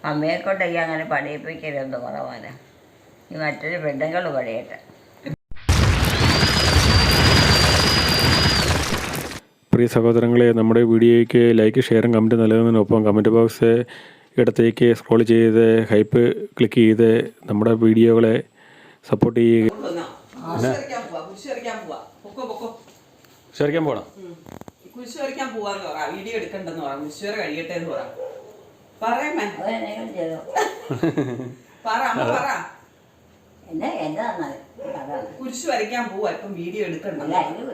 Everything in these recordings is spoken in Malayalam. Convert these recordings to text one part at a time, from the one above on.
അമ്മയെ കൊണ്ട് ഈ അങ്ങനെ പണിയിപ്പിക്കരുതെന്ന് കുറവാനാ. ഈ മറ്റൊരു പെണ്ണുങ്ങൾ പണിയട്ടെ. പ്രിയ സഹോദരങ്ങളെ, നമ്മുടെ വീഡിയോയ്ക്ക് ലൈക്ക്, ഷെയറും കമൻറ്റ് നൽകുന്നതിനൊപ്പം കമൻറ്റ് ബോക്സ് ഇടത്തേക്ക് സ്ക്രോൾ ചെയ്ത് ഹൈപ്പ് ക്ലിക്ക് ചെയ്ത് നമ്മുടെ വീഡിയോകളെ സപ്പോർട്ട് ചെയ്യുക. ശരിക്കാൻ പോകണം. കുരിശ് വരയ്ക്കാൻ പോവാന്ന് പറ, വീഡിയോ എടുക്കണ്ടെന്ന് പറ, കുരിശ് കഴിയട്ടെ എന്ന് പറ. കുരിശ് വരയ്ക്കാൻ പോവാ, ഇപ്പം വീഡിയോ എടുക്കണ്ട.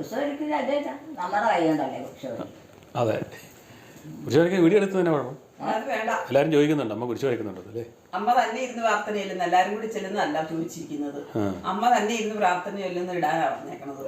അതെ, കുരിശ് വരയ്ക്കാൻ വീഡിയോ എടുത്ത് തന്നെ വേണം. അത് വേണ്ട. എല്ലാരും ചോദിക്കുന്നുണ്ട് അമ്മ കുരിശ് വരയ്ക്കുന്നുണ്ടോ അല്ലേ? അമ്മ തന്നെ ഇരുന്ന് പ്രാർത്ഥന ചെല്ലുന്ന, എല്ലാരും കൂടി ചെല്ലുന്നതല്ല ചോദിച്ചിരിക്കുന്നത്. അമ്മ തന്നെ ഇരുന്ന് പ്രാർത്ഥന ചെല്ലുന്ന ഇടാനാ പറഞ്ഞേക്കണത്.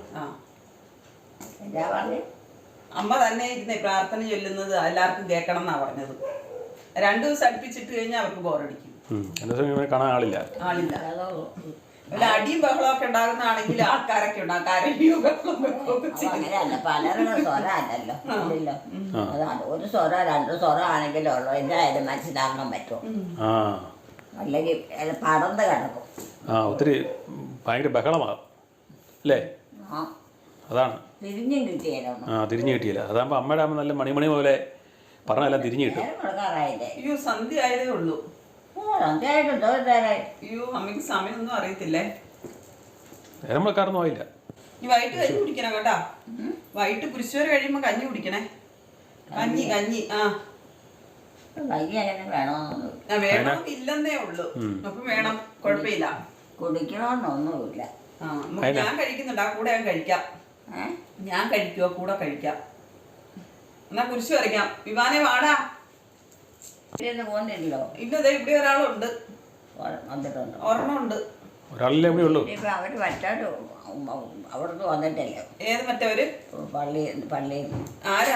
അമ്മ തന്നെ ഇരുന്ന് പ്രാർത്ഥന ചൊല്ലുന്നത് എല്ലാവർക്കും കേൾക്കണം എന്നാ പറഞ്ഞത്. 2 ദിവസം അടുപ്പിച്ചിട്ട് കഴിഞ്ഞാൽ അവർക്ക് ബോറടിക്കും. കാണാൻ ആളില്ല. വല്ല അടിയും ബഹളമൊക്കെ ഉണ്ടാകുന്നതാണെങ്കിൽ ആൾക്കാരൊക്കെ ഉണ്ടാകും. കരയും ബഹളം പലരുടെ സ്വരമല്ലല്ലോ. ഒരു സ്വരം 2 സ്വരം ആണെങ്കിലും ഉള്ളു എന്തായാലും മനസ്സിലാക്കാൻ പറ്റും. അല്ലെങ്കിൽ പടർന്ന് കിടക്കും. ഒത്തിരി ഭയങ്കര ബഹളമാകും അല്ലേ? അതാണ് തിരിഞ്ഞും കിട്ടിയാലോ? തിരിഞ്ഞു കിട്ടിയില്ല. അതാകുമ്പോൾ അമ്മയുടെ അമ്മ നല്ല മണിമണി പോലെ പറഞ്ഞെല്ലാം തിരിഞ്ഞു കിട്ടും. അയ്യോ, സന്ധ്യ ആയതേ ഉള്ളൂ. അയ്യോ, അമ്മയ്ക്ക് സമയമൊന്നും അറിയത്തില്ലേ. നേരം വെക്കാറൊന്നും ആയില്ല. ഈ വൈകിട്ട് കഞ്ഞി കുടിക്കണം കേട്ടാ. വൈകിട്ട് കുരിശുവരെ കഴിയുമ്പോ കഞ്ഞി കുടിക്കണേ. കഞ്ഞി വേണമെന്നില്ലെന്നേ ഉള്ളൂ. അപ്പൊ വേണം, കുഴപ്പമില്ല. കുടിക്കണമെന്നൊന്നുമില്ല. ഞാൻ കഴിക്കുന്നുണ്ട്, ആ കൂടെ ഞാൻ കഴിക്കാം. ഞാൻ കഴിക്കുവോ? കൂടെ കഴിക്കാം. എന്നാ കുരിശ് വരയ്ക്കാം. വിവാനെ വാടാ. പോകുന്നില്ലല്ലോ. ഇല്ലതേ ഇവിടെ ഒരാളുണ്ട്. ഒരെണ്ണമുണ്ട്. ഒരാളല്ലേ ഇവിടെ ഉള്ളൂ. അവര് മറ്റവര് അവിടുന്ന് വന്നിട്ടല്ലേ? ഏത് മറ്റവര്? പള്ളി ആരാ?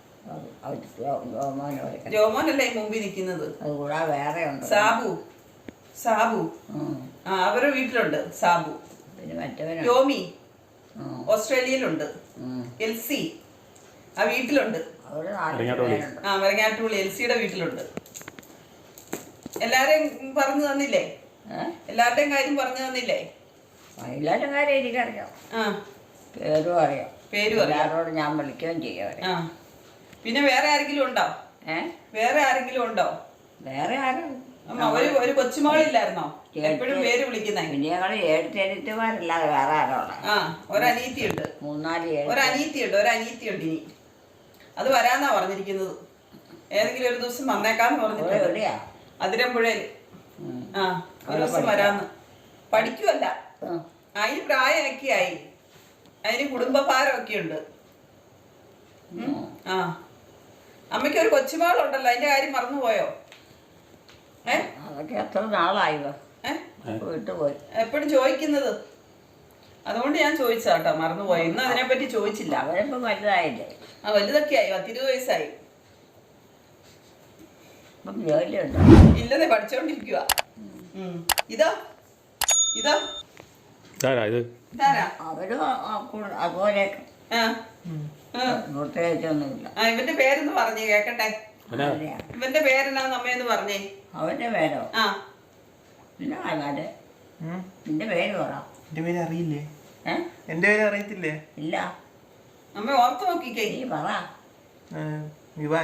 ജോമോനല്ലേ ജോമോനല്ലേ ഈ മുമ്പിൽ നിൽക്കുന്നത്? അത് കൂടാതെ വേറെ ഉണ്ട്. സാബു. അവരുടെ വീട്ടിലുണ്ട് സാബു. പിന്നെ മറ്റവര് ടോമി ഓസ്ട്രേലിയയിലുണ്ട്. എൽസി ആ വീട്ടിലുണ്ട്. മരങ്ങാട്ടുപള്ളി എൽസിയുടെ വീട്ടിലുണ്ട്. എല്ലാരെയും പറഞ്ഞു തന്നില്ലേ? എല്ലാവരുടെയും കാര്യം പറഞ്ഞു തന്നില്ലേ? എല്ലാവരുടെ കാര്യം എനിക്കറിയാം. പേരും അറിയാം. എല്ലാവരോടും ഞാൻ വിളിക്കുകയും ചെയ്യാം. പിന്നെ വേറെ ആരെങ്കിലും ഉണ്ടോ? വേറെ ആരെങ്കിലും ഉണ്ടോ? വേറെ ആരും. ഒരു കൊച്ചുമോളില്ലായിരുന്നോ എപ്പോഴും പേര് വിളിക്കുന്നേ? പിന്നെ ഞങ്ങൾ 7 ചേട്ടത്തിമാരല്ലാതെ വേറെ ആരോടാ? ഒരനീത്തിയുണ്ട്. 3-4 ഒരനീത്തിയുണ്ട്. ഇനി അത് വരാന്നാ പറഞ്ഞിരിക്കുന്നത്. ഏതെങ്കിലും ഒരു ദിവസം വന്നേക്കാന്ന് പറഞ്ഞിട്ടുണ്ട്. അതിരമ്പുഴയിൽ. ഒരു ദിവസം വരാന്ന്. പഠിക്കുവല്ല, അതിന് പ്രായമൊക്കെ ആയി. അതിന് കുടുംബഭാരമൊക്കെ ഉണ്ട്. അമ്മയ്ക്ക് ഒരു കൊച്ചുമകളുണ്ടല്ലോ, അതിന്റെ കാര്യം മറന്നുപോയോ? അതൊക്കെ എത്ര നാളായോ വിട്ടുപോയി. എപ്പോഴും ചോദിക്കുന്നത്. അതുകൊണ്ട് ഞാൻ ചോദിച്ചാട്ടോ, മറന്നുപോയി. ഇന്ന് അതിനെപ്പറ്റി ചോദിച്ചില്ല. അവരിപ്പോ വലുതായില്ലേ? വലുതൊക്കെ ആയി. 10-20 വയസ്സായി. ജോലിയുണ്ടോ? ഇല്ലതേ, പഠിച്ചോണ്ടിരിക്കുക. ഇതാ അവരും അതുപോലെ പ്രത്യേകിച്ചൊന്നുമില്ല. ഇവന്റെ പേരെന്ന് പറഞ്ഞേ കേക്കട്ടെ. ഇവന്റെ പേരെന്നാന്ന് അമ്മയെന്ന് പറഞ്ഞേ. അവന്റെ പേരോ? പിന്നെ നിന്റെ പേര് പറ. എന്റെ പേര് അറിയില്ലേ? എന്റെ പേര് അറിയത്തില്ലേ? ഇല്ല. അമ്മ ഓർത്ത് നോക്കിക്കേ. നീ പറ. വിവാൻ.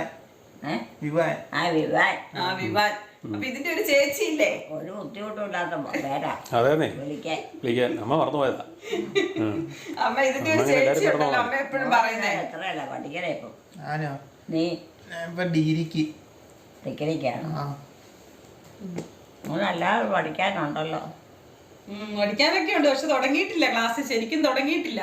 വിവാൻ. അപ്പൊ ഇതിന്റെ ഒരു ചേച്ചി ഇല്ലേ? ഒരു ബുദ്ധിമുട്ടില്ലാത്ത പേരാ. വിളിക്കാൻ അമ്മ മറന്നുപോയതാ. അമ്മ ഇതിന്റെ ഒരു ചേച്ചി ഉണ്ടല്ലോ, അമ്മ എപ്പോഴും പറയുന്നേ. എത്രയല്ല പഠിക്കണേ ഇപ്പൊ? ആനോ? നീ ഡിഗ്രിക്കാണോ? അല്ലാതെ പഠിക്കാനുണ്ടല്ലോ. പഠിക്കാനൊക്കെ ഉണ്ട്, പക്ഷെ തുടങ്ങിയിട്ടില്ല. ക്ലാസ് ശരിക്കും തുടങ്ങിയിട്ടില്ല.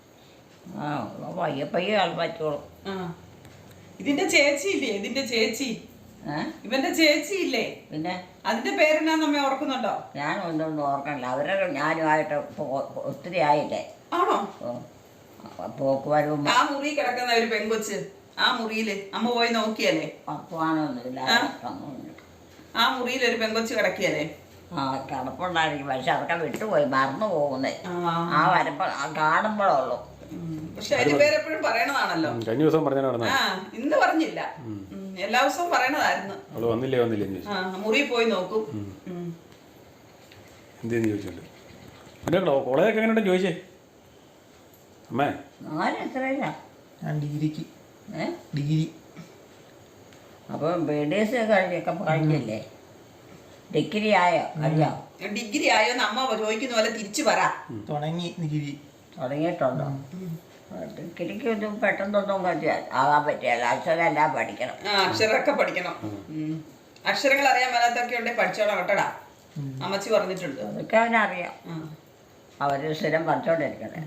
പയ്യെ പറ്റുള്ളൂ. ഇതിന്റെ ചേച്ചി ഇല്ലേ? ഇവന്റെ ചേച്ചി ഇല്ലേ? പിന്നെ അതിന്റെ പേരെന്നാ നമ്മെ ഓർക്കുന്നുണ്ടോ? ഞാൻ ഒന്നും ഓർക്കണില്ല. അവരൊക്കെ ഞാനുമായിട്ട് ഒത്തിരി ആയില്ലേ? ആണോ? പോക്കുവരവും. ആ മുറി കിടക്കുന്ന ഒരു പെങ്കൊച്ച്, ആ മുറിയില് അമ്മ പോയി നോക്കിയല്ലേ? പക്വാനൊന്നുമില്ല. ആ മുറിയിൽ ഒരു പെങ്കൊച്ച് കിടക്കിയല്ലേ? കിടപ്പുണ്ടായിരിക്കും, പക്ഷെ അതൊക്കെ വിട്ടുപോയി, മറന്നു പോകുന്നേ. ആ വരുമ്പോ കാണുമ്പോഴുള്ളൂ. പക്ഷെ അതിന്റെ പേരെപ്പോഴും പറയണതാണല്ലോ. കഴിഞ്ഞ ദിവസം പറഞ്ഞ ഇന്ന് പറഞ്ഞില്ല. എല്ലാ ദിവസവും പറയണതായിരുന്നു. അവള് വന്നില്ലേ എന്ന് ചോദിച്ചു. മുറിയിൽ പോയി നോക്കും. എന്തേന്ന് ചോദിച്ചോണ്ട് എൻ്റെ കോളേജൊക്കെ എങ്ങനെയുണ്ടെന്ന് ചോദിച്ചേ അമ്മേ. എത്രയില്ല? ഞാൻ ഡിഗ്രിക്ക്. ഡിഗ്രി. അപ്പോൾ BDS കഴിഞ്ഞില്ലേ? ഡിഗ്രി ആയോ? അറിയോ? ഡിഗ്രി ആയോന്ന് അമ്മ ചോദിക്കുന്ന പോലെ തിരിച്ചു പറ. തുടങ്ങി ഡിഗ്രി. തുടങ്ങിയിട്ടുണ്ടോ? ഡിഗ്രിക്ക് ഒന്നും പെട്ടെന്നൊന്നും ആകാൻ പറ്റില്ല. അക്ഷരം എല്ലാം പഠിക്കണം. അക്ഷരമൊക്കെ പഠിക്കണം. അക്ഷരങ്ങൾ അറിയാൻ മേലാത്തൊക്കെ ഉണ്ടെങ്കിൽ പഠിച്ചോളാം കേട്ടടാ. അമ്മച്ചി പറഞ്ഞിട്ടുണ്ട്. അതൊക്കെ അവനറിയാം. അവർ സ്ഥിരം പഠിച്ചോണ്ടിരിക്കണേ.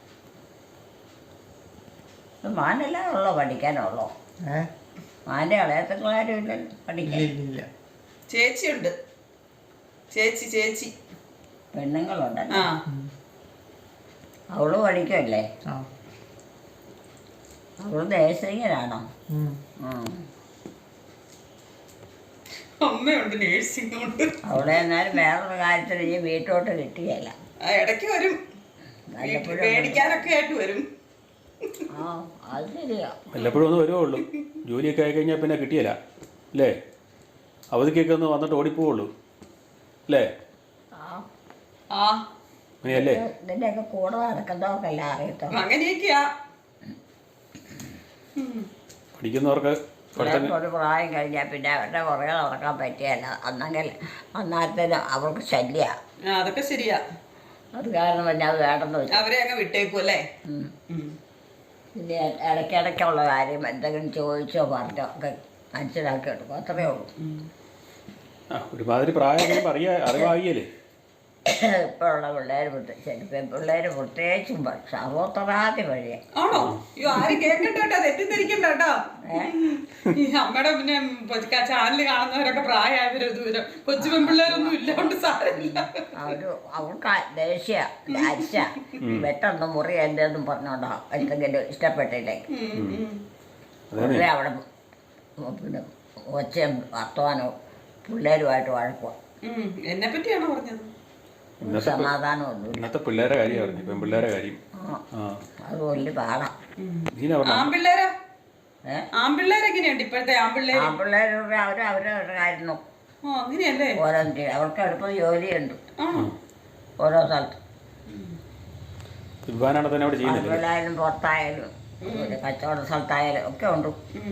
മാനല്ല ഉള്ളോ പഠിക്കാനുള്ളോ? മാൻ്റെ ഇളയത്തുള്ളാരും ഇല്ലല്ലോ പഠിക്കാൻ. ചേച്ചിയുണ്ട്. ചേച്ചി പെണ്ണുങ്ങളുണ്ടല്ലോ. അവള് പഠിക്കുമല്ലേ? അവള് നേഴ്സിങ്ങിനാണോ? അമ്മയുണ്ട്, നേഴ്സിംഗ് ഉണ്ട്. അവിടെ എന്നാലും വേറൊരു കാര്യത്തിൽ ഈ വീട്ടോട്ട് കിട്ടിയല്ല. ഇടയ്ക്ക് വരും, പേടിക്കാനൊക്കെ ആയിട്ട് വരും. അത് ശരിയാ. വല്ലപ്പോഴും ഒന്ന് വരുവേ ഉള്ളൂ. ജോലിയൊക്കെ ആയി കഴിഞ്ഞാൽ പിന്നെ കിട്ടിയല്ല അല്ലേ? അവധിക്കൊക്കെ ഒന്ന് വന്നിട്ട് ഓടിപ്പോവുള്ളൂ അല്ലേ? അങ്ങനെയല്ലേ? ഇതിൻ്റെയൊക്കെ കൂടെ നടക്കുന്നവർക്കല്ല അറിയത്തോ. അങ്ങനെയൊക്കെയാ പഠിക്കുന്നവർക്ക്. ഒരു പ്രായം കഴിഞ്ഞാൽ പിന്നെ അവരുടെ പുറകെ നടക്കാൻ പറ്റിയല്ല. അന്നേരത്തിന് അവർക്ക് ശല്യ. അതൊക്കെ ശരിയാ. അത് കാരണം പിന്നെ അത് വേണ്ടെന്ന് വെച്ചു അവരെ അങ്ങ് വിട്ടേക്കും അല്ലേ? പിന്നെ ഇടയ്ക്കിടയ്ക്കുള്ള കാര്യം എന്തെങ്കിലും ചോദിച്ചോ പറഞ്ഞോ ഒക്കെ മനസ്സിലാക്കി എടുക്കും. അത്രയേ ഉള്ളൂ. ഒരുമാതിരി പ്രായം അറിവായില്ലേ ഇപ്പോഴുള്ള പിള്ളേർ? പെൺപിള്ളേർ പ്രത്യേകിച്ചും സർവോത്തരാതി വഴിയെ. ആണോ? അയ്യോ, ആരും കേൾക്കട്ടോ, തെറ്റിദ്ധരിക്കണ്ട കേട്ടോ. അമ്മയുടെ പിന്നെ ചാനല് കാണുന്നവരൊക്കെ പ്രായമായവരോ ദൂരം കൊച്ചു പെൺപിള്ളേരൊന്നും ഇല്ലാണ്ട് സാരമില്ല. അവർക്ക് ദേഷ്യ അരിച്ച വെട്ടൊന്നും മുറി എന്തെന്നും പറഞ്ഞോണ്ടോ എന്തെങ്കിലും ഇഷ്ടപ്പെട്ടില്ലേ അവിടെ പിന്നെ ഒച്ചയും വർത്തമാനവും പിള്ളേരുമായിട്ട് വഴക്കുക. എന്നെ പറ്റിയാണോ പറഞ്ഞത്? സമാധാനമൊന്നും ഇന്നത്തെ പിള്ളേരെ കാര്യം പറഞ്ഞു. പെൺപിള്ളേരെ കാര്യം അത് വലിയ പാടാം. ആൺപിള്ളേരോ? ആൺപിള്ളേരെങ്ങനെയുണ്ട് ഇപ്പോഴത്തെ ആൺപിള്ളേർ? ആൺപിള്ളേരുടെ അവരവരുടെ കാര്യം നോക്കും. അങ്ങനെയല്ലേ? ഓരോ അവർക്ക് എളുപ്പം ജോലിയുണ്ട് ഓരോ സ്ഥലത്ത്. ആൺപിള്ളേരും പുറത്തായാലും കച്ചവട സ്ഥലത്തായാലും ഒക്കെ ഉണ്ട്.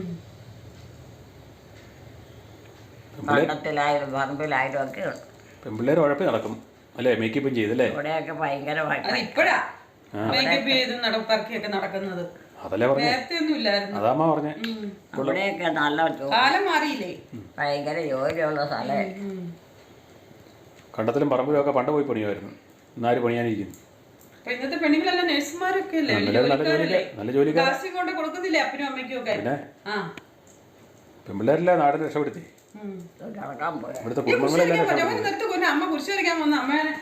പണ്ടത്തിലായാലും പറമ്പിലായാലും ഒക്കെ ഉണ്ട്. പെൺപിള്ളേർ ഉഴപ്പി നടക്കും അല്ലേ? മേക്കപ്പും ചെയ്തല്ലേ? ഇവിടെയൊക്കെ ഭയങ്കരമായിട്ട് ഇപ്പഴാ മേക്കപ്പ് ചെയ്ത് നടപ്പറക്കിയൊക്കെ നടക്കുന്നത്. നേരത്തെ ഒന്നും ഇല്ലായിരുന്നു. അതാമ്മ പറഞ്ഞേ. അവിടെയൊക്കെ നല്ല കാലം മാറിയില്ലേ? ഭയങ്കര ജോലിയുള്ള സ്ഥലം. കണ്ടത്തിലും പറമ്പിലും ഒക്കെ പണ്ട് പോയി പണിയുമായിരുന്നു. ഇന്നാര് പണിയാനിരിക്കുന്നു? ഇന്നത്തെ പെണ്ണുങ്ങളെല്ലാം നഴ്സുമാരൊക്കെ അല്ലേ? നല്ല ജോലി കൊണ്ട് കൊടുക്കുന്നില്ലേ അപ്പനും അമ്മയ്ക്കും ഒക്കെ? പെൺപിള്ളേരല്ലേ നാടിനെ രക്ഷപ്പെടുത്തി. ഇവിടുത്തെ കുടുംബങ്ങളെല്ലാം അമ്മ കുരിശ് വരയ്ക്കാൻ വന്ന അമ്മേനെ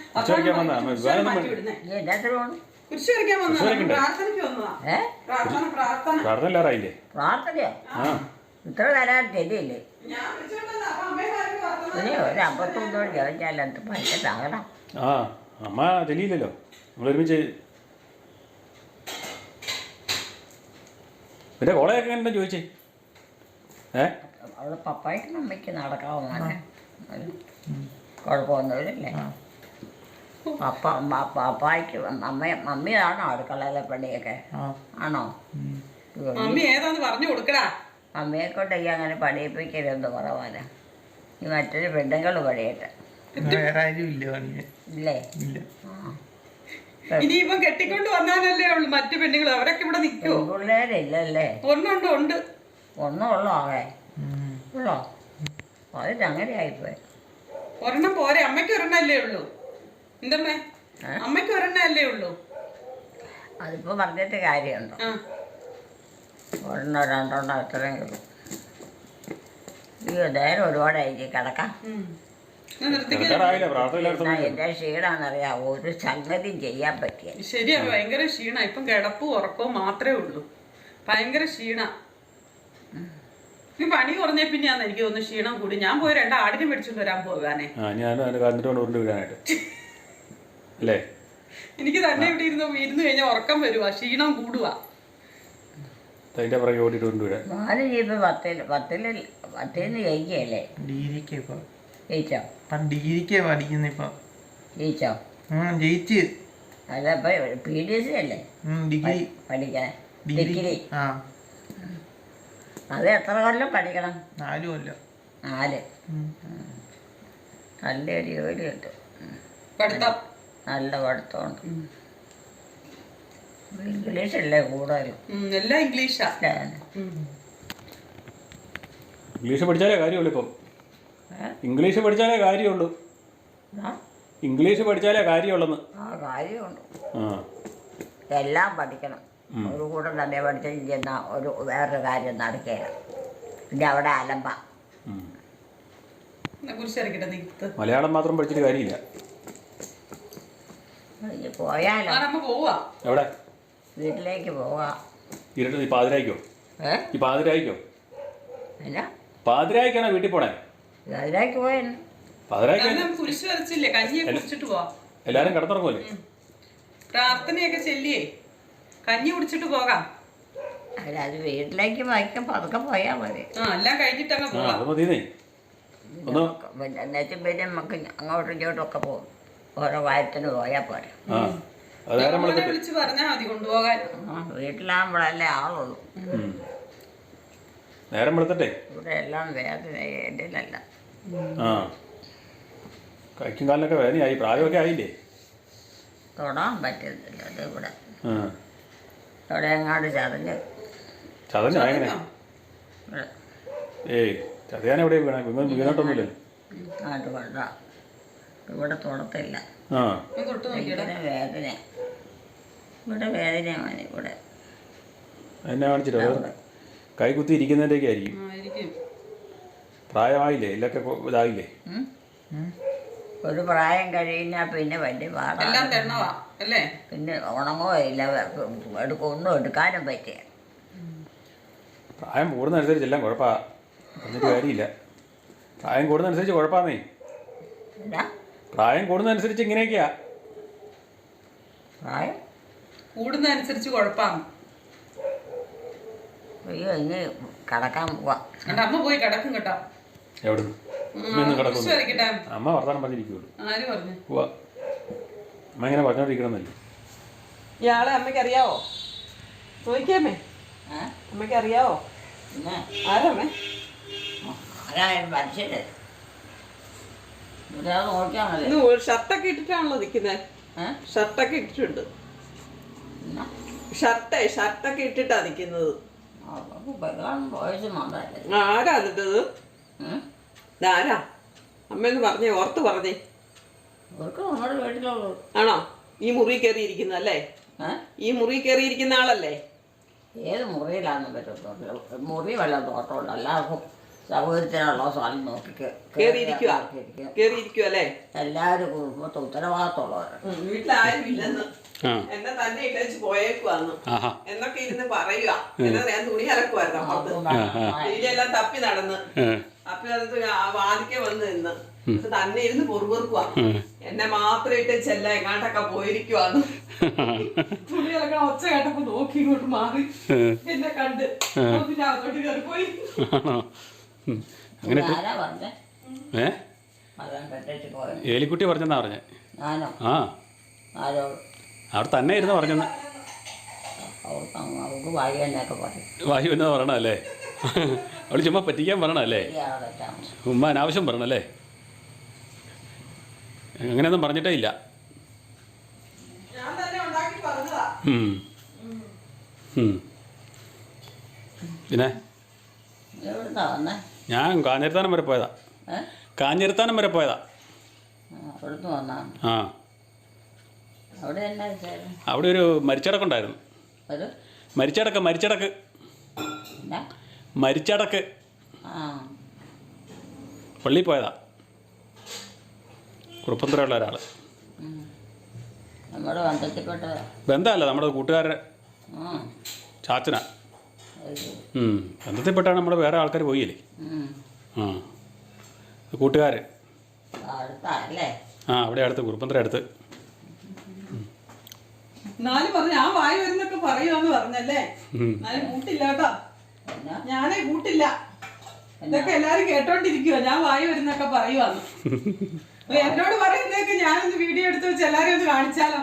കുരിശ് വരയ്ക്കാൻ വന്ന പ്രാർത്ഥനയ്ക്ക് വന്നതാ. പ്രാർത്ഥനയില്ലാറായില്ലേ? പ്രാർത്ഥനയോ? ഇത്ര തരാൻ ശരിയില്ലേ? ഇനി ഒരു 51 ചോദിച്ചാൽ എന്ത് പൈസ. അമ്മ തെളിയില്ലല്ലോ. നമ്മളൊരുമിച്ച് പിന്നെ കോളേജൊക്കെ എങ്ങനെ ചോദിച്ചേ? അവള് പപ്പായ്ക്കും അമ്മയ്ക്ക് നടക്കാവോ? മോനെ കുഴപ്പമൊന്നുമില്ലല്ലേ? പപ്പായ്ക്ക് മമ്മിയാണോ അടുക്കളയിലെ പണിയൊക്കെ? ആണോ? മമ്മിയെ കൊണ്ട് ഈ അങ്ങനെ പണിയിപ്പിക്കരുതെന്ന് കുറവാനാ. ഈ മറ്റൊരു പെണ്ണുങ്ങൾ പണിയട്ടെ. ഇല്ലേ? ഇനിയിപ്പം കെട്ടിക്കൊണ്ട് വന്നാലല്ലേ ഉള്ളു മറ്റു പെണ്ണുങ്ങൾ. അവരൊക്കെ ഇവിടെ നിൽക്കുമോ? പിള്ളേരില്ലല്ലേ? ഉണ്ട്. ഒന്നും ഉള്ളോ? ആകെ ഉള്ളോ? അതിന് അങ്ങനെ ആയിപ്പോയി. ഒരെണ്ണം പോരെ? അമ്മയ്ക്ക് ഒരെണ്ണല്ലേ ഉള്ളൂ. എന്തമ്മേ, അമ്മയ്ക്ക് ഒരെണ്ണല്ലേ ഉള്ളൂ. അതിപ്പോ പറഞ്ഞിട്ട് കാര്യമുണ്ടോ? ഒരെണ്ണോ രണ്ടെണ്ണോ എത്രയും കിട്ടും. നേരം ഒരുപാടായിരിക്കും കിടക്കാം. എന്റെ ക്ഷീണാന്നറിയാം. ഒരു സംഗതിയും ചെയ്യാൻ പറ്റിയ. ശരിയാ, ഭയങ്കര ക്ഷീണ. ഇപ്പം കിടപ്പും ഉറക്കവും മാത്രമേ ഉള്ളൂ. ഭയങ്കര ക്ഷീണ. ഈ പണി കുറഞ്ഞ പിന്നെയാന്ന് എനിക്ക് തോന്നുന്നു ക്ഷീണം കൂടി. ഞാൻ പോയി 2 ആടിനെ മേടിച്ചോണ്ട് വരാൻ പോകാനേ. എനിക്ക് തന്നെ ഇവിടെ ഇരുന്ന് കഴിഞ്ഞാൽ ഉറക്കം വരുവാ, ക്ഷീണം കൂടുക. അതിൻ്റെ പുറകെ ഓടിയിട്ട് കൊണ്ടുവരാൻ. മോന് ഇപ്പം പത്തിന്ന് ജയിക്കുകയല്ലേ? ഡിഗ്രിക്ക് ഇപ്പൊ ജയിച്ചോ? ഇപ്പം ഡിഗ്രിക്ക് പഠിക്കുന്ന ഇപ്പൊ. ജയിച്ചോ? ജയിച്ച്. അല്ല ഇപ്പം PDC അല്ലേ ഡിഗ്രി പഠിക്കാൻ? ഡിഗ്രി. ഡിഗ്രി. ആ അത് എത്ര കൊല്ലം പഠിക്കണം? 4 കൊല്ലം. 4. നല്ലൊരു ജോലി കിട്ടും. പഠിത്തം നല്ല പഠിത്തമുണ്ട്. ഇംഗ്ലീഷല്ലേ കൂടുതലും. എല്ലാം ഇംഗ്ലീഷാ. ഇംഗ്ലീഷ് പഠിച്ചാലേ കാര്യമുള്ളൂ ഇപ്പം. ഇംഗ്ലീഷ് പഠിച്ചാലേ കാര്യമുള്ളൂ. ഇംഗ്ലീഷ് പഠിച്ചാലേ കാര്യമുള്ളെന്ന്. ആ കാര്യമുണ്ട്. ആ എല്ലാം പഠിക്കണം. ഒരു കൂട്ടം തന്നെ പഠിച്ചിരിക്കുന്ന വേറൊരു കാര്യം നടക്കുകയില്ല. പിന്നെ അവിടെ അലമ്പ. കുരിശിറക്കിട്ടെ നിൽത്ത്. മലയാളം മാത്രം പഠിച്ചിട്ട് കാര്യമില്ല. പോയാലോ? നമ്മ പോവാ. എവിടെ? വീട്ടിലേക്ക് പോവാ. ഇരുട്ട് ഈ പാതിരായിക്കോ? ഈ പാതിരായിക്കോ? എന്നാ പാതിരായിക്കാണോ വീട്ടിൽ പോണേ? അതിലേക്ക് പോയെന്ന്. പാതിരായിക്ക് കുരിശ് വരച്ചില്ലേ, കഞ്ഞിയൊക്കെ കുടിച്ചിട്ട് പോവാ. എല്ലാരും കിടന്നുറങ്ങുമല്ലേ? പ്രാർത്ഥനയൊക്കെ ചെല്ലിയേ കഞ്ഞി കുടിച്ചിട്ട് പോകാം. അല്ല അത് വീട്ടിലേക്ക് വായിക്കാൻ പതുക്കെ പോയാൽ മതി. എല്ലാം കഴിഞ്ഞിട്ട് അങ്ങ് ആ പോവാം. അത് മതിയേ. ഒന്ന് പിന്നെ നമുക്ക് അങ്ങോട്ടും ഇങ്ങോട്ടും ഒക്കെ പോകും. ഓരോ കാര്യത്തിന് പോയാൽ പോരെ. ആ അത് നേരം മോനെ വെളുത്തിട്ട്. വിളിച്ച് പറഞ്ഞാൽ മതി കൊണ്ടുപോകാൻ. വീട്ടിലാകുമ്പോഴല്ലേ ആളുള്ളൂ. നേരം വെളുത്തിട്ടെ. ഇവിടെ എല്ലാം വേദന ഏണ്ടിലല്ല. ആ കൈക്കും കാലിനൊക്കെ വേദനയായി. പ്രായമൊക്കെ ആയില്ലേ? തൊടാൻ പറ്റുന്നില്ല. അത് ഇവിടെ ആ ഇവിടെ എങ്ങാണ്ട് ചതഞ്ഞ് ചതഞ്ഞോ എങ്ങനെ? ഇവിടെ ഏയ് ചതയാൻ എവിടെ വീണ? വീണോട്ടൊന്നുമില്ലല്ലോ. അങ്ങോട്ട് കൊണ്ട ഇവിടെ തൊടത്തില്ല. ആ ഒന്ന് തൊട്ട് നോക്കിയടാ. ഭയങ്കര വേദന. ഇവിടെ വേദനയാണ്. ഇവിടെ എന്നെ കാണിച്ചിട്ടോ? അവിടെ കൈ കുത്തി ഇരിക്കുന്നതിൻ്റെയൊക്കെ ആയിരിക്കും. ആയിരിക്കും. പ്രായമായില്ലേ? എല്ലൊക്കെ ഇതായില്ലേ? ഒരു പ്രായം കഴിഞ്ഞാൽ പിന്നെ വലിയ എല്ലാം പാടാണ്. തെണ്ണവാ അല്ലേ? പിന്നെ ഉണങ്ങോ ഇല്ല. ഒന്നും എടുക്കാനും പറ്റിയ. പ്രായം കൂടുന്നതനുസരിച്ച് എല്ലാം കുഴപ്പമാണ്. എന്നിട്ട് കാര്യമില്ല. പ്രായം കൂടുന്നതനുസരിച്ച് കുഴപ്പമാന്നേ. എന്നാ പ്രായം കൂടുന്നതനുസരിച്ച് ഇങ്ങനെയൊക്കെയാ. പ്രായം കൂടുന്നതനുസരിച്ച് കുഴപ്പമാണ്. അയ്യോ ഇനി കിടക്കാൻ പോവാം. എന്റെ അമ്മ പോയി കിടക്കും കേട്ടോ. എവിടുന്ന്? അമ്മയൊന്നും കുരിശ് കിടക്കുന്നു. വരയ്ക്കട്ടെ. അമ്മ വർത്താനം പറഞ്ഞിരിക്കുള്ളൂ. ആര് പറഞ്ഞു? പോവാ. അമ്മ ഇങ്ങനെ പറഞ്ഞോണ്ടിരിക്കണമെന്നല്ലേ. ഇയാളെ അമ്മയ്ക്ക് അറിയാവോ? ചോദിക്കാമേ. അമ്മയ്ക്ക് അറിയാവോ? പിന്നെ ആരമ്മേ? ആരായാലും മനുഷ്യര് ഇവിടെ നോക്കിയാൽ മതി. ഇന്ന് ഷർട്ടൊക്കെ ഇട്ടിട്ടാണല്ലോ നിൽക്കുന്നത്. ഷർട്ടൊക്കെ ഇട്ടിട്ടുണ്ട്. എന്നാ ഷർട്ടൊക്കെ ഇട്ടിട്ടാ നിൽക്കുന്നത്. വോയിസ് മാത്രമല്ലേ. ആരാ എന്നിട്ടത്? ഇതാരാ? അമ്മയെന്ന് പറഞ്ഞേ, ഓർത്ത് പറഞ്ഞേ. അവർക്ക് നമ്മുടെ വീട്ടിലുള്ളൂ. ആണോ? ഈ മുറി കയറിയിരിക്കുന്നല്ലേ? ഈ മുറി കയറിയിരിക്കുന്ന ആളല്ലേ? ഏത് മുറിയിലാണെന്ന് പറ്റത്തുള്ളൂ. മുറി വല്ല തോട്ടമുണ്ട്. എല്ലാവർക്കും സൗകര്യത്തിനുള്ള സ്ഥലം നോക്കി കേറിയിരിക്കുക അല്ലേ? എല്ലാവരും കുടുംബത്തെ ഉത്തരവാദിത്തമുള്ളവരാണ്. വീട്ടിലാരും ഇല്ലെന്ന്, എന്നെ തന്നെ ഇട്ടേച്ച് പോയേക്കുവാന്ന് എന്നൊക്കെ ഇരുന്ന് പറയുക. എന്നാ ഞാൻ തുണി അലക്കുവായിരുന്നു അപ്പുറത്ത്. വീടെല്ലാം തപ്പി നടന്ന് അപ്പൊ അത് വാതിക്കെ വന്ന് നിന്ന് തന്നെ ഇരുന്ന് പൊറുപൊറുക്കുവാ. എന്നെ മാത്രം ഇട്ടേച്ചല്ല എങ്ങാണ്ടൊക്കെ പോയിരിക്കുവാന്ന്. തുണി അലക്കണ ഒച്ച കേട്ടപ്പോ നോക്കി ഇങ്ങോട്ട് മാറി എന്നെ കണ്ട് പിന്നെ അതോട്ട് കയറി പോയി. അങ്ങനെ ആരാ പറഞ്ഞേ? ഏലിക്കുട്ടി പറഞ്ഞെന്നാ പറഞ്ഞേ. ഞാനോ? ആ ആരോട്? അവിടെ തന്നെ ഇരുന്ന് പറഞ്ഞെന്ന്. അവർക്ക് വായു എന്നൊക്കെ പറയും. വായു എന്നാ പറയണല്ലേ? അവള് ചുമ്മാ പറ്റിക്കാൻ പറയണല്ലേ? ഉമ്മ അനാവശ്യം പറയണല്ലേ? അങ്ങനെയൊന്നും പറഞ്ഞിട്ടേ ഇല്ല. ഞാൻ തന്നെ ഉണ്ടാക്കി പറഞ്ഞതാ. പിന്നെ എവിടുന്നാ വന്നേ? ഞാൻ കാഞ്ഞിരത്താനം വരെ പോയതാ. കാഞ്ഞിരത്താനം വരെ പോയതാ. അവിടുന്ന് വന്നാ? ആ അവിടെ എന്നാ വിശേഷം? അവിടെ ഒരു മരിച്ചടക്കുണ്ടായിരുന്നു. ഒരു മരിച്ചടക്ക് എന്നാ? മരിച്ചടക്ക് ആ പള്ളിയിൽ പോയതാ. കുറുപ്പന്തറയുള്ള ഒരാൾ. നമ്മുടെ ബന്ധത്തിൽപ്പെട്ടതാ? ബന്ധമല്ല, നമ്മുടെ കൂട്ടുകാരുടെ ചാച്ചനാ. ബന്ധത്തിൽപ്പെട്ടാണ് നമ്മുടെ വേറെ ആൾക്കാർ പോയില്ലേ. ആ കൂട്ടുകാർ. അടുത്തല്ലേ? ആ അവിടെ അടുത്ത്, കുറുപ്പന്തറ അടുത്ത്. എന്നാലും പറഞ്ഞു ഞാൻ വായി വരുന്നൊക്കെ പറയുവാന്ന് പറഞ്ഞല്ലേ. ഞാനും കൂട്ടില്ല കേട്ടോ, ഞാനേ കൂട്ടില്ല. ഇതൊക്കെ എല്ലാരും കേട്ടോണ്ടിരിക്കുവോ ഞാൻ വായി വരുന്നൊക്കെ പറയുവാന്ന്. എന്നോട് പറയുന്നതൊക്കെ ഞാനൊന്ന് വീഡിയോ എടുത്ത് വെച്ച് എല്ലാരും ഒന്ന് കാണിച്ചാലോ.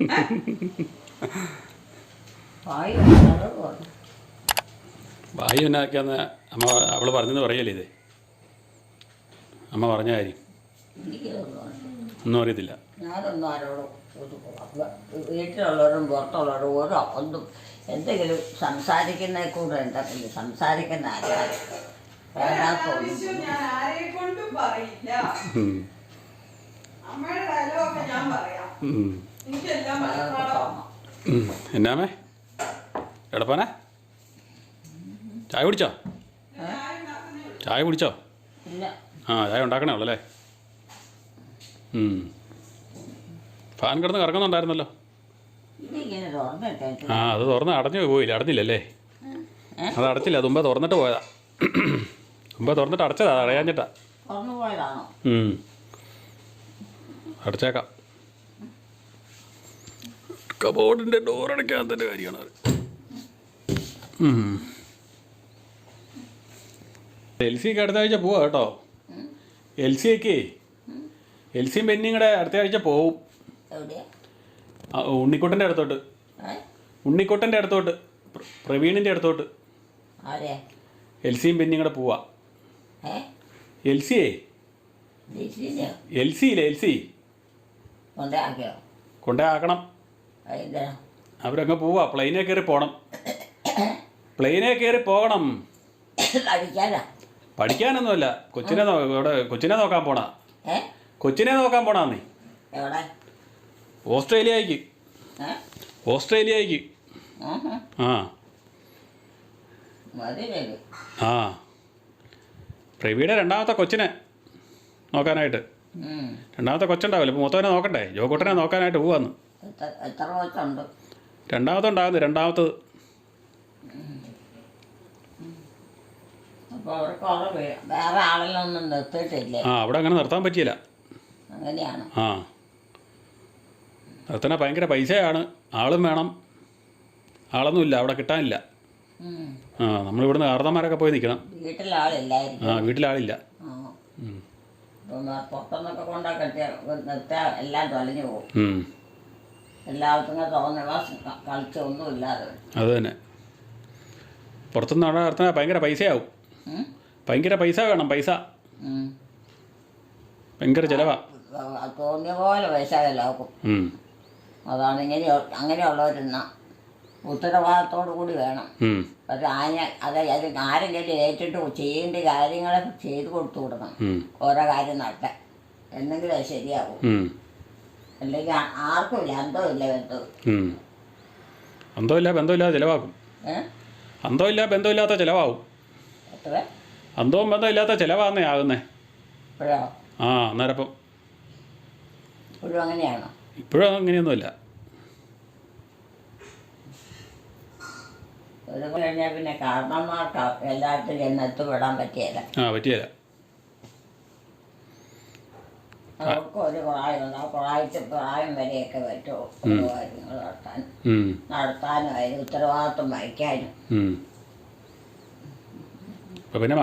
വായു എന്നാക്കിയാന്ന് അമ്മ അവള് പറഞ്ഞെന്ന് പറയല്ലേ ഇത്? അമ്മ പറഞ്ഞ കാര്യം ഒന്നും അറിയത്തില്ല. ഞാനൊന്നും ആരോടും വീട്ടിലുള്ളവരും പുറത്തുള്ളവരും ഓരോ ഒന്നും എന്തെങ്കിലും സംസാരിക്കുന്നതിൽ കൂടെ എന്തെങ്കിലും സംസാരിക്കുന്ന ആരാണ് ഒരാവശ്യം ഞാൻ ആരെ കൊണ്ടും പറയില്ല. അമ്മയുടെ ഡയലോഗൊക്കെ ഞാൻ പറയാം. എനിക്കെല്ലാം മനസ്സിലാവും. എന്നാമേ എടപ്പാനെ ചായ കുടിച്ചോ? ചായ കുടിച്ചോ? ഇല്ല. ആ ചായ ഉണ്ടാക്കണേ ഉള്ളല്ലേ. ഫാൻ കിടന്ന് കറങ്ങുന്നുണ്ടായിരുന്നല്ലോ. ഇതിങ്ങനെ തുറന്നിട്ടേ ആ അത് തുറന്ന് അടഞ്ഞു പോയില്ല, അടഞ്ഞില്ലല്ലേ? അത് അടച്ചില്ല, തുമ്പ തുറന്നിട്ട് പോയതാ. തുമ്പ തുറന്നിട്ട് അടച്ചതാ, അത് അടയാഞ്ഞിട്ടാ. തുറന്നു പോയതാണോ? അടച്ചേക്കാം. കബോർഡിൻ്റെ ഡോറടയ്ക്കാത്തതിൻ്റെ കാര്യമാണ് അത്. എൽസിക്ക് അടുത്ത ആഴ്ച പോവാ കേട്ടോ. എൽസിയൊക്കെ എൽസിയും ബെന്നിയും കൂടെ അടുത്ത ആഴ്ച പോവും. എവിടെയാ? ഉണ്ണിക്കുട്ടൻ്റെ അടുത്തോട്ട്. ഉണ്ണിക്കുട്ടൻ്റെ അടുത്തോട്ട്, പ്രവീണിൻ്റെ അടുത്തോട്ട്. ആരെയാ? എൽസിയും ബെന്നിയും കൂടെ പോവാ. എൽസിയേ എൽസിയില്ലേ എൽസി കൊണ്ടാക്കിയോ? കൊണ്ടേ ആക്കണം. അവരങ്ങ് പോവാ. പ്ലെയിനെ കയറി പോകണം. പ്ലെയിനെ കയറി പോകണം. പഠിക്കാനൊന്നുമല്ല, കൊച്ചിനെ ഇവിടെ കൊച്ചിനെ നോക്കാൻ പോണ. കൊച്ചിനെ നോക്കാൻ പോണാന്നേ. ഓസ്ട്രേലിയക്ക്. ഓസ്ട്രേലിയക്ക്. ആ ആ പ്രവീയുടെ രണ്ടാമത്തെ കൊച്ചിനെ നോക്കാനായിട്ട്. രണ്ടാമത്തെ കൊച്ചുണ്ടാവില്ല, ഇപ്പോൾ മൂത്തവനെ നോക്കണ്ടേ? ജോക്കുട്ടനെ നോക്കാനായിട്ട് പോവാന്ന്. എത്ര കൊച്ചുണ്ട്? രണ്ടാമത്തെ ഉണ്ടാകുന്നു, രണ്ടാമത്തത്. അപ്പോൾ അവർക്ക് വേറെ ആളിലൊന്നും നിർത്തിയിട്ടില്ലേ? ആ അവിടെ അങ്ങനെ നിർത്താൻ പറ്റിയില്ല. അങ്ങനെയാണ്. ആ നിർത്തണ ഭയങ്കര പൈസയാണ്, ആളും വേണം. ആളൊന്നുമില്ല അവിടെ, കിട്ടാനില്ല. ആ നമ്മളിവിടുന്ന് കാർന്നമാരൊക്കെ പോയി നിൽക്കണം. വീട്ടിലാളില്ലായിരിക്കും. ആ വീട്ടിലാളില്ല. പുറത്തുനിന്നൊക്കെ കൊണ്ടൊക്കെ നിർത്തിയാൽ എല്ലാം തൊലഞ്ഞു പോകും. എല്ലാവർക്കും തോന്നുക കളിച്ചൊന്നുമില്ലാതെ. അത് തന്നെ. പുറത്തുനിന്ന് അവിടെ നിർത്തണ ഭയങ്കര പൈസയാവും. ഭയങ്കര പൈസ വേണം, പൈസ ഭയങ്കര ചിലവാ. തോന്നിയ പോലെ പൈസ ചിലവാക്കും. അതാണ് അങ്ങനെയുള്ളവരെന്ന ഉത്തരവാദിത്തോടു കൂടി വേണം. പക്ഷെ അത് ആരെങ്കിലും ഏറ്റിട്ട് ചെയ്യേണ്ട കാര്യങ്ങളെ ചെയ്തു കൊടുത്തു കൊടുക്കണം. ഓരോ കാര്യം നടത്താൻ എന്നെങ്കിലും അത് ശരിയാവും. അല്ലെങ്കിൽ ആർക്കുമില്ല അന്തമില്ല ബന്ധവും. അന്തമില്ല ബന്ധമില്ലാതെ ചിലവാക്കും. അന്തമില്ല ബന്ധമില്ലാത്ത ചിലവാകും. എത്ര അന്തവും ബന്ധമില്ലാത്ത ചിലവാന്നേ ആകുന്നേ. ഇപ്പോഴോ? ആ അന്നേരപ്പം ഇപ്പോഴും അങ്ങനെയാണോ? ഇപ്പോഴും അങ്ങനെയൊന്നുമില്ല. ഒരു കഴിഞ്ഞാൽ പിന്നെ കാരണന്മാർക്ക് എല്ലായിടത്തും ചെന്ന് എത്തിപ്പെടാൻ പറ്റിയല്ല. ആ പറ്റിയല്ല. അവർക്ക് ഒരു പ്രായമുണ്ട്. ആ പ്രായം വരെയൊക്കെ പറ്റുമോ കാര്യങ്ങൾ നടത്താനും അതിന് ഉത്തരവാദിത്വം വഹിക്കാനും. പിന്നെ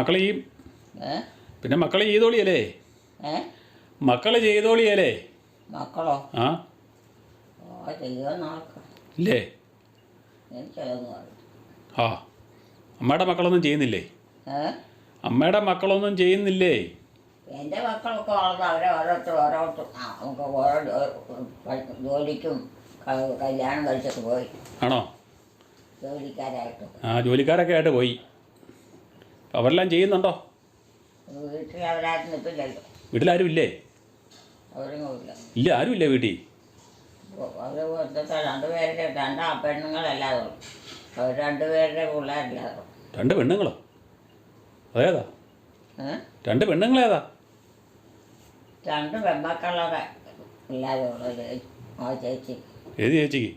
മക്കൾ ചെയ്തോളിയല്ലേ? മക്കള് ചെയ്തോളിയല്ലേ? മക്കളോ? ആ ചെയ്യുമെന്ന് ഇല്ലേ? എനിക്കതൊന്നും അറിയില്ല. ആ അമ്മയുടെ മക്കളൊന്നും ചെയ്യുന്നില്ലേ? അമ്മയുടെ മക്കളൊന്നും ചെയ്യുന്നില്ലേ? എൻ്റെ മക്കളൊക്കെ വളർന്ന് അവരെ ഓരോരുത്തർ നമുക്ക് ഓരോ ജോലിക്കും കല്യാണം കഴിച്ചൊക്കെ പോയി. ആണോ? ജോലിക്കാരായിട്ട്. ആ ജോലിക്കാരൊക്കെ ആയിട്ട് പോയി. അവരെല്ലാം ചെയ്യുന്നുണ്ടോ? വീട്ടിൽ അവരാരും നിൽപ്പില്ലല്ലോ. വീട്ടിലാരും ഇല്ലേ? അവരൊന്നുമില്ല. ഇല്ല, ആരും ഇല്ലേ വീട്ടിൽ? അവർ രണ്ടുപേരുടെ പെണ്ണുങ്ങളല്ലാതെ അവർ രണ്ടുപേരുടെ പിള്ളേരില്ലാതെ. രണ്ട് പെണ്ണുങ്ങളോ? അതേതാ? രണ്ട് പെണ്ണുങ്ങളേതാ? രണ്ട് പെൺമക്കളൊക്കെ ഇല്ലാതെ ഉള്ളത് ആ ചേച്ചി. ഏത് ചേച്ചിക്ക്?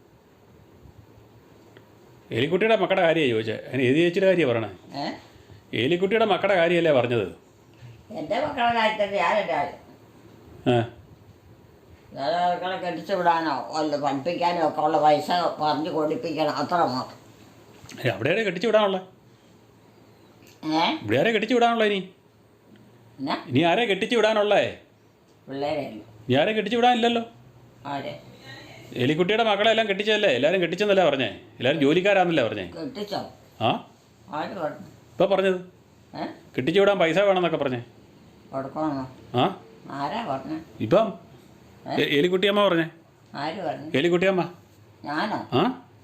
ഏലിക്കുട്ടിയുടെ മക്കളുടെ കാര്യമാണ് ചോദിച്ചത്. അതിന് ഏത് ചേച്ചിയുടെ കാര്യമാണ് പറയണേ? ഏലിക്കുട്ടിയുടെ മക്കളുടെ കാര്യമല്ലേ പറഞ്ഞത്? എൻ്റെ മക്കളുടെ കാര്യത്തിൽ ഞാനെൻ്റെ വേറെ കെട്ടിച്ചു വിടാനോ അല്ല പഠിപ്പിക്കാനോ ഒക്കെ ഉള്ള പൈസ പറഞ്ഞു കൊടുപ്പിക്കണം അത്ര മാത്രം. അവിടെ ആരെ കെട്ടിച്ച് വിടാനുള്ളത്? ഇവിടെ ആരെ കെട്ടിച്ച് വിടാനുള്ളത് ഇനി? എന്നാ ഇനി ആരെ കെട്ടിച്ച് വിടാനുള്ളേ? പിള്ളേരല്ലോ. ഇനി ആരെ കെട്ടിച്ച് വിടാനില്ലല്ലോ. ആരെ എലിക്കുട്ടിയുടെ മക്കളെ എല്ലാം കെട്ടിച്ചതല്ലേ? എല്ലാവരും കെട്ടിച്ചെന്നല്ലേ പറഞ്ഞേ? എല്ലാവരും ജോലിക്കാരാന്നല്ലേ പറഞ്ഞേ? കെട്ടിച്ചോ? ആ ആര് പറഞ്ഞു? ഇപ്പം പറഞ്ഞത് കെട്ടിച്ച് വിടാൻ പൈസ വേണമെന്നൊക്കെ പറഞ്ഞേ. കൊടുക്കണോ? ആ ആരാ പറഞ്ഞേ? ഇപ്പം എലിക്കുട്ടിയമ്മ പറഞ്ഞേ. ആര് പറഞ്ഞു? എലിക്കുട്ടിയമ്മ. ഞാനോ? ആ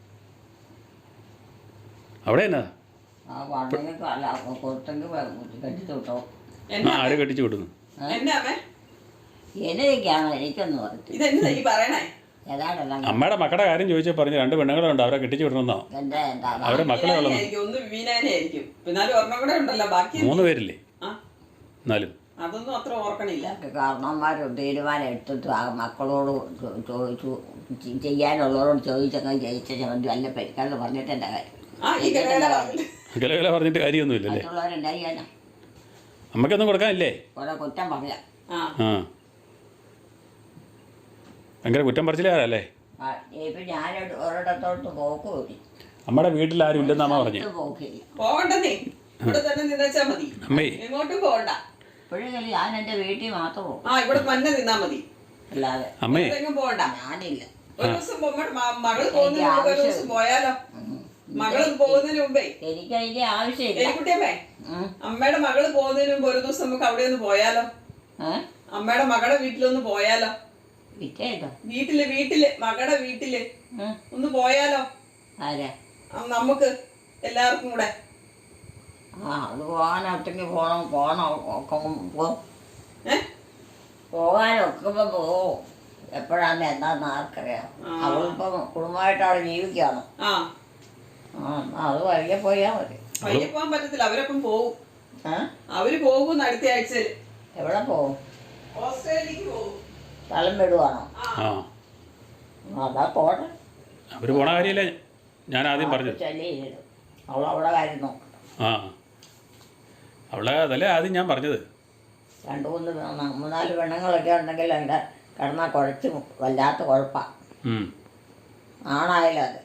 അവിടെ എന്നാ ആ പറഞ്ഞെങ്കിൽ അല്ല കൊടുത്തെങ്കിൽ കെട്ടിച്ചു വിട്ടോ. ആര് കെട്ടിച്ചു വിടുന്നു? എന്നാ അമ്മേ എന്നതൊക്കെയാണോ എനിക്കൊന്നും പറയത്തില്ല. ഇതെന്താ ഈ പറയണേ? ഏതാണെല്ലാം അമ്മയുടെ മക്കളുടെ കാര്യം ചോദിച്ചാൽ പറഞ്ഞു 2 പെണ്ണുങ്ങളുണ്ട്, അവരെ കെട്ടിച്ചു വിടണമെന്നോ? എൻ്റെ എന്താ അവരെ മക്കളെ ഉള്ളൂ. ആയിരിക്കും, ഒന്ന് വിവീനാനെ ആയിരിക്കും. എന്നാലും ഒരെണ്ണം കൂടെ ഉണ്ടല്ലോ ബാക്കി. 3 പേരില്ലേ? ആ എന്നാലും അതൊന്നും അത്ര ഓർക്കണില്ല. കാരണവന്മാർ തീരുമാനം എടുത്തിട്ട് ആ മക്കളോട് ചോദിച്ചു ചെയ്യാനുള്ളവരോട് ചോദിച്ചങ്ങ് ജയിച്ച ചമന്തി വല്ല പരിക്കാരെന്ന് പറഞ്ഞിട്ട് എൻ്റെ കാര്യം. ആ ഈ കടയിലെ പറഞ്ഞിട്ട് വില പറഞ്ഞിട്ട് കാര്യമൊന്നുമില്ലല്ലേ? മറ്റുള്ളവരെന്താ ചെയ്യാനാ? അമ്മയ്ക്കൊന്നും കൊടുക്കാനില്ലേ? കുറെ കുറ്റം പറയാം. ആ ആ ഭയങ്കര കുറ്റം പറിച്ചില്ലാരല്ലേ? ഇപ്പം ഞാൻ ഒരിടത്തോട്ട് പോക്ക് പോയി. നമ്മുടെ വീട്ടിൽ ആരും ഇല്ലെന്ന് അമ്മ പറഞ്ഞു. പോക്കില്ല. പോകണ്ടെന്നേ, ഇവിടെ തന്നെ നിന്നേച്ചാ മതി, അമ്മേ എങ്ങോട്ടും പോകണ്ട. ഇപ്പോഴെങ്കിലും ഞാൻ എൻ്റെ വീട്ടിൽ മാത്രം പോകും, ആ ഇവിടെ തന്നെ നിന്നാ മതി, അല്ലാതെ അമ്മേ എങ്ങും പോകണ്ട. ഞാനില്ല. ഒരു ദിവസം മകള് പോകുന്നതിന് മുമ്പ് ഒരു ദിവസം പോയാലോ? മകള് പോകുന്നതിന് മുമ്പേ എനിക്ക് അതിൻ്റെ ആവശ്യമില്ല. എലിക്കുട്ടിയമ്മേ, അമ്മയുടെ മകള് പോകുന്നതിന് മുമ്പ് ഒരു ദിവസം നമുക്ക് അവിടെ ഒന്ന് പോയാലോ? അമ്മയുടെ മകളുടെ വീട്ടിലൊന്ന് പോയാലോ? വിറ്റേട്ടോ? വീട്ടില് മകളുടെ വീട്ടില് ഒന്ന് പോയാലോ? ആരാ? നമുക്ക് എല്ലാവർക്കും കൂടെ. ആ അത് പോകാനൊറ്റയ്ക്ക് പോകണം ഒക്കെ പോകും. ഏ പോകാനൊക്കെ പോവും. എപ്പോഴാന്ന് എന്താന്ന് ആർക്കറിയാം. അവളിപ്പം കുടുംബമായിട്ട് അവിടെ ജീവിക്കുകയാണ്. ആ അത് വഴിയെ പോയാൽ മതി. വൈകി പോകാൻ പറ്റത്തില്ല, അവരൊപ്പം പോവും. ഏ അവര് പോകും അടുത്ത ആഴ്ചയിൽ. എവിടെ പോവും? ഓസ്ട്രേലിയക്ക് പോകും. സ്ഥലം വിടുവാണോ? ആ അതാ പോട്ടെ. അവർ പോണ കാര്യമല്ലേ ഞാൻ ആദ്യം പറഞ്ഞത്. ചെല്ലിയിരുന്നു അവളവിടെ കാര്യം നോക്കണം. ആ അവളെ അതല്ലേ ആദ്യം ഞാൻ പറഞ്ഞത്. 2-3 പെണ്ണുങ്ങളൊക്കെ ഉണ്ടെങ്കിൽ എൻ്റെ കിടന്നാൽ കുഴച്ച് വല്ലാത്ത കുഴപ്പമാണ്. ആണായാലും അത്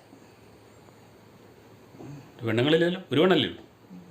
പെണ്ണുങ്ങളില്ലല്ലോ, ഒരു പെണ്ണല്ലേ ഉള്ളൂ.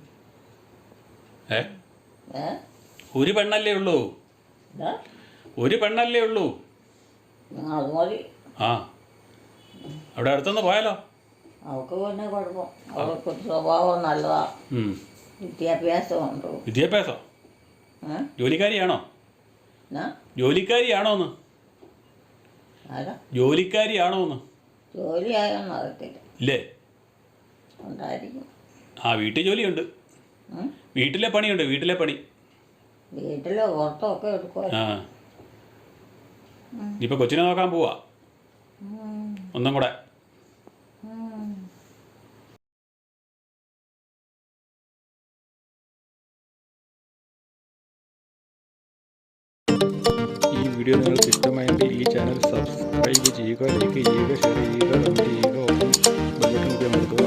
ഒരു പെണ്ണല്ലേ ഉള്ളൂ, ഒരു പെണ്ണല്ലേ ഉള്ളൂ. അത് മതി. ആ അവിടെ അടുത്തൊന്ന് പോയാലോ? അവൾക്ക് പിന്നെ കുഴപ്പം, അവൾക്ക് സ്വഭാവം നല്ലതാണ്, വിദ്യാഭ്യാസമുണ്ട്. വിദ്യാഭ്യാസം? ജോലിക്കാരിയാണോ? ജോലിക്കാരിയാണോന്ന്? ആരാ? ജോലിക്കാരിയാണോന്ന്? ജോലിയായോന്ന് അറിയത്തില്ല. ഇല്ലേ? ഉണ്ടായിരിക്കും. ആ വീട്ടിൽ ജോലിയുണ്ട്, വീട്ടിലെ പണിയുണ്ട്, വീട്ടിലെ പണി. വീട്ടിൽ പുറത്തൊക്കെ എടുക്കുക. ആ ഇനിയിപ്പോൾ കൊച്ചിനെ നോക്കാൻ പോവാ ഒന്നും കൂടെ. ഈ വീഡിയോ നിങ്ങൾക്ക് ഇഷ്ടമായെങ്കിൽ ഈ ചാനൽ സബ്സ്ക്രൈബ് ചെയ്യുക, ലൈക്ക് ചെയ്യുക, ഷെയർ ചെയ്യുക, കമൻറ്റ് ചെയ്യുക, ഒപ്പം ബെൽ ബട്ടൺ കൂടി അമർത്തുക.